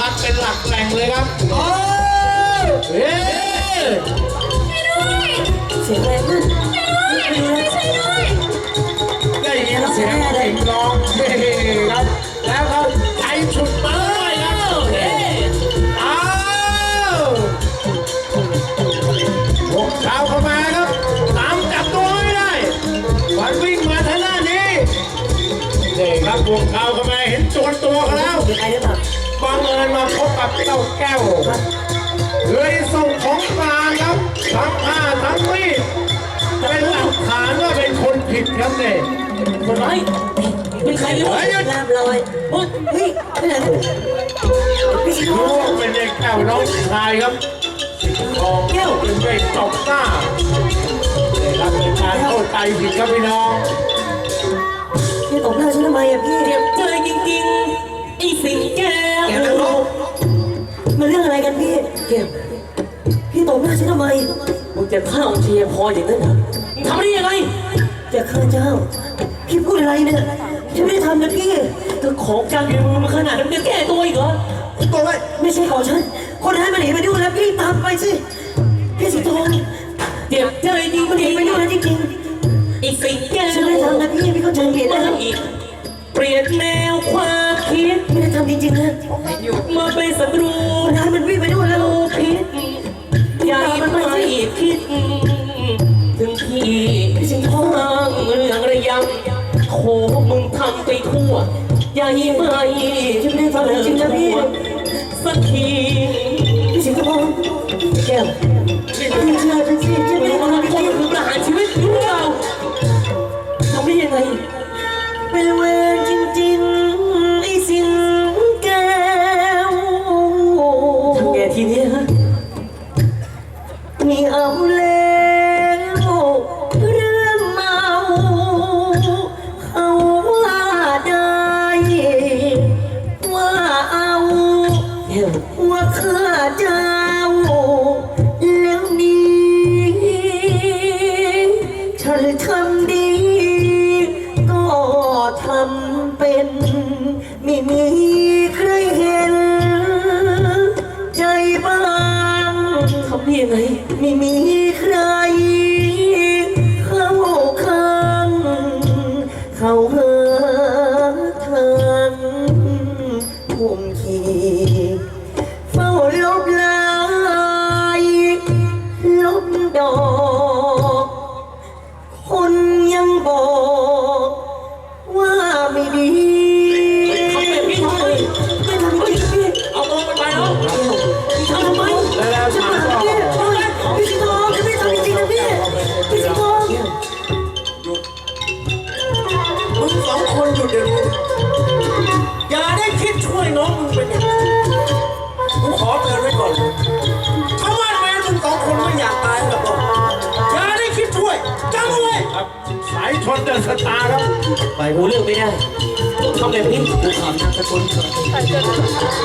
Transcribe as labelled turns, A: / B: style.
A: พัดเป็นหลักแหล่งเลยครับโอ้เฮ้
B: เสียงอะไรขึ้น
A: ได้ยินเสียงเด็กร้องเฮ้ครับแล้วเขาใจฉุดมาเลยครับอ้าวพวกชาวเข้ามาครับตามจับตัวไม่ได้วันวิ่งมาทางด้านนี้นี่ครับพวกชาวเข้ามาเห็นตัวเขาแล้วบังเอิญมาพบกับเจ้าแก้วเลยส่งของกลางครับทั้งผ้าทั้งมีดเป็นหลักฐานว่าเป็นคนผิดครับเนี่ย
B: คนร้ายเป็นใครเนี่ยลาบลอยเฮ้ยไม่ไหนพี่ชิโร่
A: เป็นเด็กแก้วน้องชายครับทองแก้วเป็นเด็กตบหน้าเลยครับเป็นการเข้าใจผิดครับพี่น้อง
B: พี่ตบหน้าฉันทำไมอ่ะพี่
C: เจ็บใจจริงๆไอ้สิงแก้ว
B: มันเรื่องอะไรกันพี่เก็บพี่ตบหน้าฉันทำไม
C: มึงจะฆ่าองค์เชียพออย่างนั้นเหรอทำได้ยังไง
B: จะฆ่าเจ้าพี่พูดอะไรเนี่ยฉันไม่ได้ทำนะพี่
C: ก็ของกลางอยู่ในมือมันขนาดนั้นจะแก้ตัวอีกเหรอ
B: ตัวไม่ใช่ของฉันคนร้ายมันหนีไปด้วยแล้วพี่ตามไปสิพี่สิงห์ทอง
C: เจ็บใจจริง
B: มันหนีไปด้วยแล้วจริง
C: ๆไอ้สิงแก้ว
B: ฉันไม่ได้ทำนะพี่เข้าใจผิดนะ
C: เปลี่ยนแนวความคิด
B: ไม่ได้ทำจริงๆนะ
C: มาไปสำรวจ
B: คนร้ายมันวิ่งไปด้วยแล้ว
C: คิดใหญ่ไม่คิดถึงพี่
B: สิงห์ทอง
C: เรื่องระยำโคมึงทำไปทั่วใหญ่ไม่
B: ฉันไม่ได้ทำจริงๆนะพี่
C: สักที
B: พี่สิงห์ทองแก้วพี่เชื่อฉันสิฉันไม่ได้ทำจริงๆ
C: คือประหารชีวิตรู้เปล่าทำได้ยังไง
B: เป็นเวรจริงๆไอ้สิงห์แก้ว
C: ทำไงทีนี้ฮะ
B: มีเอาแล้วเรื่องเมาเขาว่าได้ว่าเอาว่าข้าเจ้าแล้วนี้ฉันทำดีก็ทำเป็นไม่มีใครเห็นใจบ้าง
C: ทำได้ยังไง
B: ไม่มีใครเข้าข้างเขาหาทางทุ่มขีเฝ้าลบลายลบดอกคนยังบอกว่าไม่ดี
C: ทำแบบนี้ทำไม
B: ไม่ทำจริงพี่
C: เอาตัวมันไปแล้ว
B: ทำไม
A: แล้วถามต่อ
B: พี่สิงห์ทองฉันไม่ทำจริงๆนะพี่สิงห์ทอง
A: มึงสองคนหยุดเดี๋ยวนี้อย่าได้คิดช่วยน้องมึงเป็นอย่างนี้กูขอเตือนไว้ก่อนถ้าว่าแม่มึงสองคนไม่อยากตายแบบเราอย่าได้คิดช่วยจำไว้ครับสายชนเดินสตาร์ครับ
C: ไปรู้เรื่องไม่ได้ทำแบบนี้กูถามนามสกุล